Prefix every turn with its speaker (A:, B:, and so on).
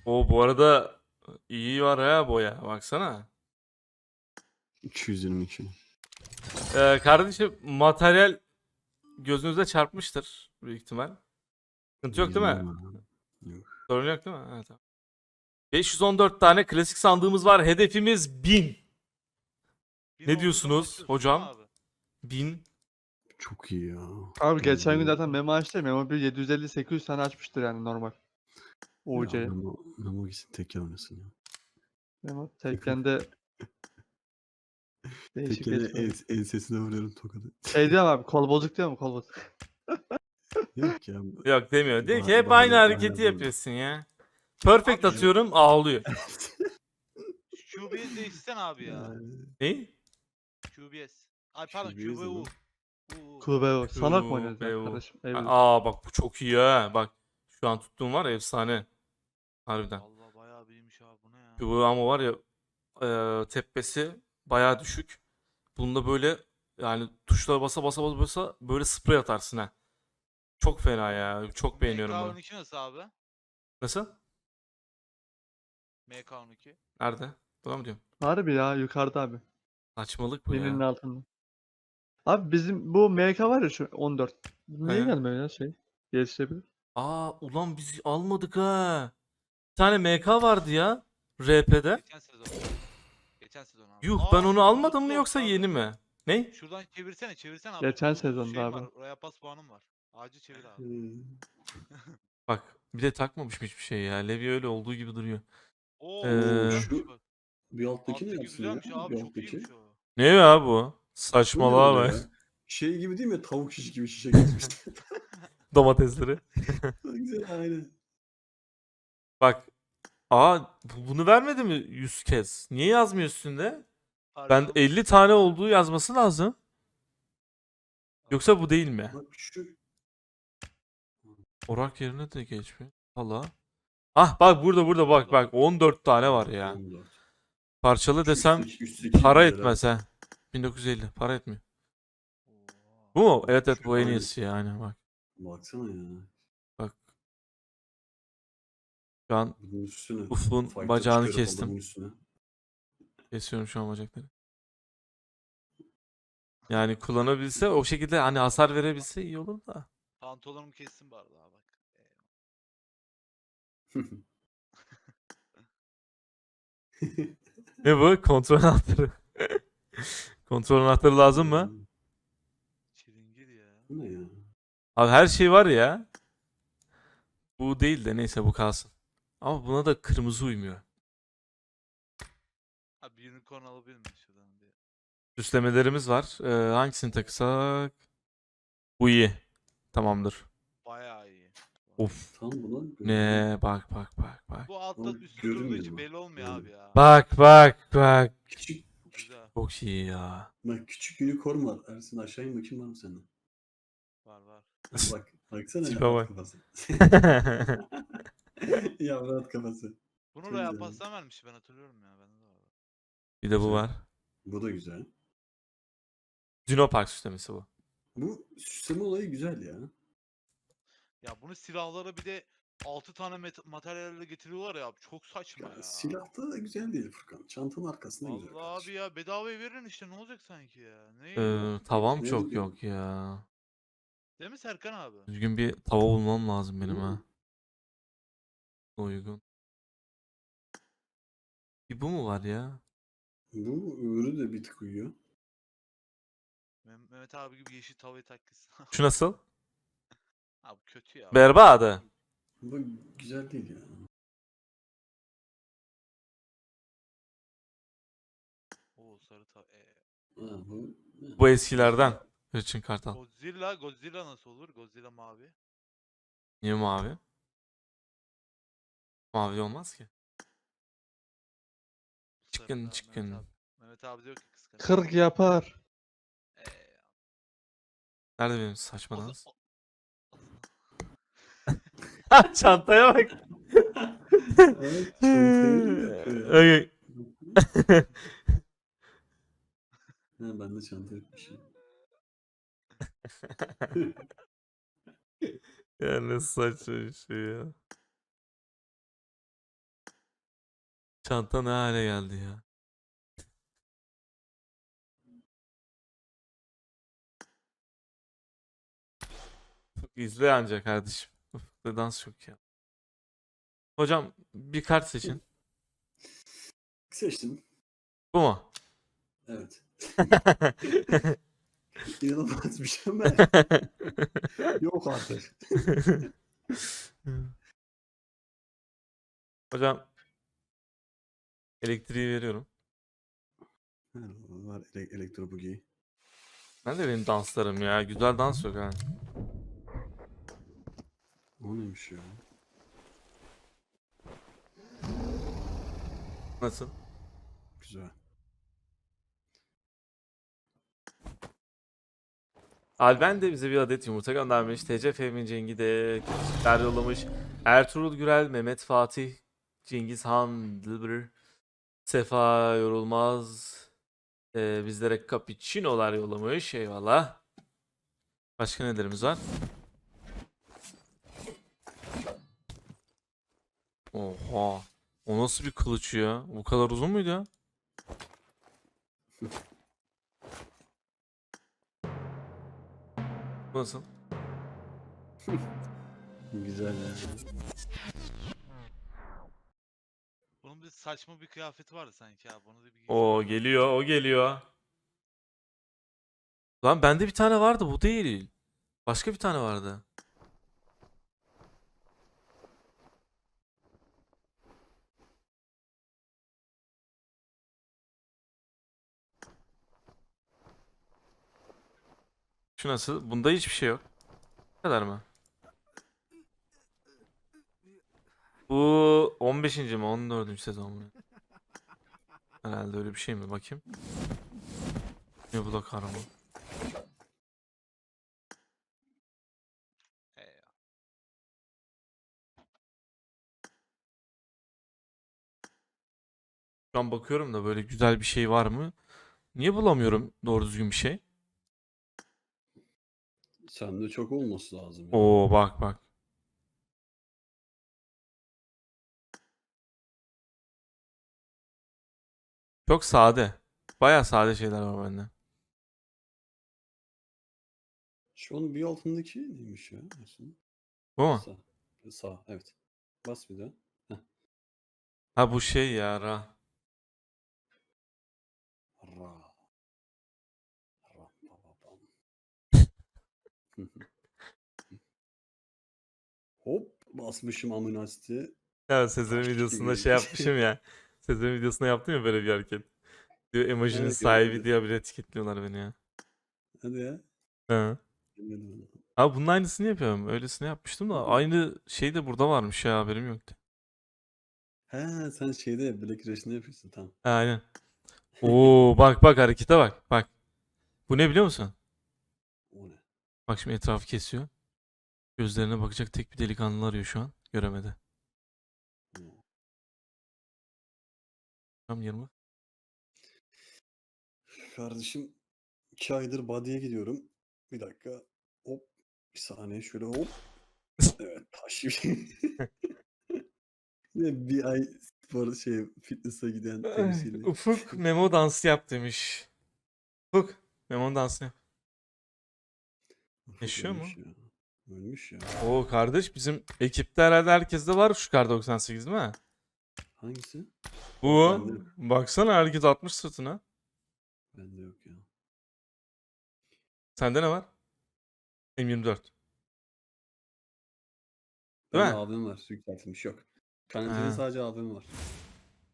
A: O bu arada iyi var ha boya. Baksana.
B: 222.
A: Kardeşim materyal gözünüze çarpmıştır büyük ihtimal. Sıkıntı yok değil mi?
B: Bilmem abi. Yok.
A: Sorun yok değil mi? Evet, tamam. 514 tane klasik sandığımız var. Hedefimiz 1000.
C: Bin
A: Ne
C: olduğu zaman
A: diyorsunuz
C: açıyorsun değil mi
A: hocam?
C: abi?
A: 1000.
B: Çok iyi ya.
D: Abi geçen gün
B: Vallahi.
D: zaten memo açtı ya. Memo bir 750-800 tane açmıştır yani normal.
B: Ya
D: UC.
B: Memo gitsin tekken oynasın ya.
D: Memo Tekken'de değişik
B: Tekken'e
D: geçiyor.
B: ensesine vuruyorum tokadı.
D: Şey diyorum abi, kol bozuk diyor mu, kol bozuk?
B: Yok ya.
A: Yok demiyor. Diyor ki hep
B: Bahane,
A: aynı
B: bahane
A: hareketi
B: bulma.
A: yapıyorsun ya. Perfect
C: Abi şu-
A: atıyorum ağlıyor.
C: QBS değişsen abi ya.
A: Ne?
C: QBS. Ay pardon
B: QBS ne
C: QBU.
B: lan?
D: QBO. Sanak mı oynuyoruz ya
A: QBU.
D: kardeşim? Eyvallah.
A: Aa bak bu çok iyi ha. Bak şu an tuttuğum var ya, efsane. Harbiden.
C: Allah bayağı büyümüş abi bu ne ya?
A: QBU ama var ya tepesi bayağı düşük. Bunda böyle yani tuşlara basa basa basa basa böyle sprey atarsın ha. Çok fena ya. Çok beğeniyorum bunu.
C: MK12 nasıl abi?
A: Nasıl?
C: MK12.
A: Nerede? Buna mı diyorum?
D: Harbi ya, yukarıda abi.
A: Saçmalık bu
D: Birinin
A: ya.
D: altında. Abi bizim bu MK var ya, şu 14. Bu niye
A: He.
D: gelmiyor ya şey? Gelişebilir.
A: Aa ulan biz almadık ha. Bir tane MK vardı ya. RP'de.
C: Geçen sezon. Geçen sezon abi.
A: Yuh ben onu almadım mı
C: Bluetooth
A: yoksa
C: abi.
A: yeni mi? Ne?
C: Şuradan çevirsene abi.
D: Geçen
C: Bluetooth
D: sezonda
C: şeyim
D: abi.
C: var. Oraya pas puanım var. Acil çevir abi.
A: Bak bir de takmamışım hiçbir şey ya. Levi öyle olduğu gibi duruyor.
C: Oo
A: Ee,
C: güzelmiş
B: şu
C: bak.
B: bir alttaki ne
C: Alttaki
B: yapsın ya?
C: güzelmiş abi.
B: Bir
C: Çok
B: alttaki.
C: iyiymiş o.
A: Ne ya bu?
B: Bu ne
A: Saçmalığa
B: öyle
A: bak.
B: ya? Şey gibi değil mi? Tavuk şiş gibi şişe geçmişti.
A: Domatesleri.
B: Güzel aynen.
A: Bak. Aa bunu vermedi mi 100 kez? Niye yazmıyor üstünde? Ben
C: Harbi
A: 50 tane olduğu yazması lazım. Yoksa bu değil mi?
B: Bak şu
A: Orak yerine de geçmiyor. Allah. Ah bak burada bak 14 tane var ya.
B: 14.
A: Parçalı
B: Şu
A: desem
B: üstteki
A: para
B: güzel
A: etmez
B: ha.
A: ha. 1950 para etmiyor.
C: Oha.
A: Bu mu?
B: Bak
A: Evet evet
B: şu
A: bu en
B: aynen.
A: iyisi yani bak.
B: Baksana ya.
A: Bak şu an
B: Bunun üstüne.
A: Ufuk'un
B: Fight'ta
A: bacağını
B: çıkarıp
A: kestim.
B: adamın üstüne.
A: Kesiyorum şu an bacakları. Yani kullanabilse o şekilde hani hasar verebilse iyi olur da.
C: Pantolonumu kessin bari daha bak.
A: Ne bu? Kontrol anahtarı. Kontrol anahtarı lazım mı?
C: Çilingir ya.
B: Bu ne ya?
A: Abi her şey var ya. Bu değil de neyse bu kalsın. Ama buna da kırmızı uymuyor.
C: Abi unicorn alabilir miyim şuradan bir?
A: Süslemelerimiz var. Hangisini taksak? Bu iyi. Tamamdır.
C: Bayağı iyi.
A: Of.
B: Tam buna
A: Ne? Bak.
C: Bu altta
B: Ama
C: üstte durduğu
B: görünmüyor
C: için
B: mu?
C: belli olmuyor
B: Yani.
C: abi ya.
A: Bak.
B: Küçük
C: Güzel.
A: Çok iyi ya.
B: bak küçük unicorn var. Ersin aşağı in bakayım var mı sende?
C: Var.
B: Bak baksana
A: Tipe
B: ya
A: bak.
B: kafası. Ya at kafası.
C: Bunu
B: Çok
C: Royal
B: güzel.
C: Pass'tan vermiş ben hatırlıyorum ya. Bende de var.
A: Bir de bu
B: Güzel.
A: var.
B: Bu da güzel.
A: Dinopark süslemesi bu.
B: Bu süsleme olayı güzel ya.
C: Ya bunu silahlara bir de 6 tane materyalle getiriyorlar ya abi. Çok saçma ya.
B: Silahta da güzel değil Furkan. Çantanın arkasında güzel
C: Vallahi abi
B: kardeşim.
C: ya bedavaya verin işte ne olacak sanki ya. Ne yok
A: Tavam
B: Ne
A: çok
B: dedim?
A: yok ya.
C: Değil mi Serkan abi?
A: Düzgün bir tava bulmam lazım benim
B: Hı.
A: ha. Uygun. Bir bu mu var ya?
B: Bu öbürü de bir tık uyuyor.
C: Mehmet abi gibi yeşil tavayı takmışsın.
A: Şu nasıl?
C: Abi kötü ya.
A: Berbadı.
B: Bu güzel değil ya.
C: Oo sarı tava.
B: Ha, bu
A: Bu eskilerden. Hırçın Kartal.
C: Godzilla nasıl olur? Godzilla mavi.
A: Niye mavi? Mavi olmaz ki.
C: Sarı
A: Çıkın.
C: Mehmet abi diyor ki kıskanıyor.
D: 40 yapar.
C: Ee,
A: Nerede benim saçma
C: o za-
A: dans?
C: o-
A: Çantaya bak.
B: Evet, çantayı mı yapıyor?
A: Okay.
B: Ha, ben de çanta yapmışım.
A: Ya ne saçma bir şey ya. Çanta ne hale geldi ya. İzle ancak kardeşim. Ufukta dans yok ya. Hocam bir kart seçin.
B: Seçtim.
A: Bu mu?
B: Evet. İnanılmaz bir şey ama yok artık.
A: Hocam elektriği veriyorum.
B: Var elektro bugi.
A: Ben de benim danslarım ya. Güzel dans yok ha.
B: O neymiş ya?
A: Nasıl?
B: Güzel.
A: Alben de bize bir adet yumurta göndermiş. TC Fehmi Cengi de küçükler yollamış. Ertuğrul Gürel, Mehmet Fatih, Cengiz Han, Dilber, Sefa Yorulmaz. Bizlere cappuccino'lar yollamış. Eyvallah. Başka nelerimiz var? Oha. O nasıl bir kılıç ya? Bu kadar uzun muydu ya? Bu nasıl?
B: Güzel ya.
C: Bunun bir saçma bir kıyafeti vardı sanki abi. Onu da bir
A: O geliyor, o geliyor. Lan bende bir tane vardı, bu değil. Başka bir tane vardı. Şu nasıl? Bunda hiçbir şey yok. Bu kadar mı? Bu 15. mi? 14. sezon mu? Herhalde öyle bir şey mi? Bakayım. Ne bu da kahraman? Şu an bakıyorum da böyle güzel bir şey var mı? Niye bulamıyorum doğru düzgün bir şey?
B: Sende çok olması lazım ya.
A: Oo bak bak. Çok sade. Bayağı sade şeyler var bende.
B: Şu an bir altındaki neymiş ya? Ersin?
A: Bu mu?
B: Sağ. Sağ, evet. Bas bir daha. Heh.
A: Ha bu şey ya Ra.
B: Ra. Ra. Ba, ba, bam. Hop basmışım amınasti.
A: Ya Sezer'in
B: Taş
A: videosunda
B: gibi.
A: şey yapmışım ya. Sezer'in videosunda yaptım ya böyle bir hareket. Diyor emojinin
B: Evet,
A: sahibi
B: gördüm.
A: diye bile etiketliyorlar beni ya.
B: Hadi ya.
A: Ha.
B: Bilmedim.
A: Abi bunun aynısını yapıyorum. Öylesine yapmıştım da aynı şey de burada varmış ya haberim yoktu.
B: He sen şeyde Black Rush'ını yapıyorsun tamam.
A: Ha, aynen. Oo bak bak harekete bak. Bak. Bu ne biliyor musun?
B: O ne?
A: Bak şimdi etrafı kesiyor. Gözlerine bakacak tek bir delikanlı arıyor şu an. Göremedi.
B: O.
A: Tam 20.
B: Kardeşim 2 aydır body'ye gidiyorum. Bir dakika. Hop. Bir saniye şöyle hop. Evet taş gibi. Yine bir ay spor fitness'a giden temsili.
A: Ufuk memo dansı yap demiş. Ufuk memo dansı yap.
B: Ufuk
A: Yaşıyor mu?
B: ölmüş ya. Ölmüş ya.
A: Oo kardeş bizim ekipte herhalde herkeste var şu kar 98 değil mi?
B: Hangisi?
A: Bu.
B: Bende yok.
A: Baksana herkes atmış sırtına.
B: Bende yok ya.
A: Sende ne var? M24. Değil
B: Bende
A: mi?
B: AVM var. Yükseltilmiş yok. Karantinada
A: Ha.
B: sadece AVM var.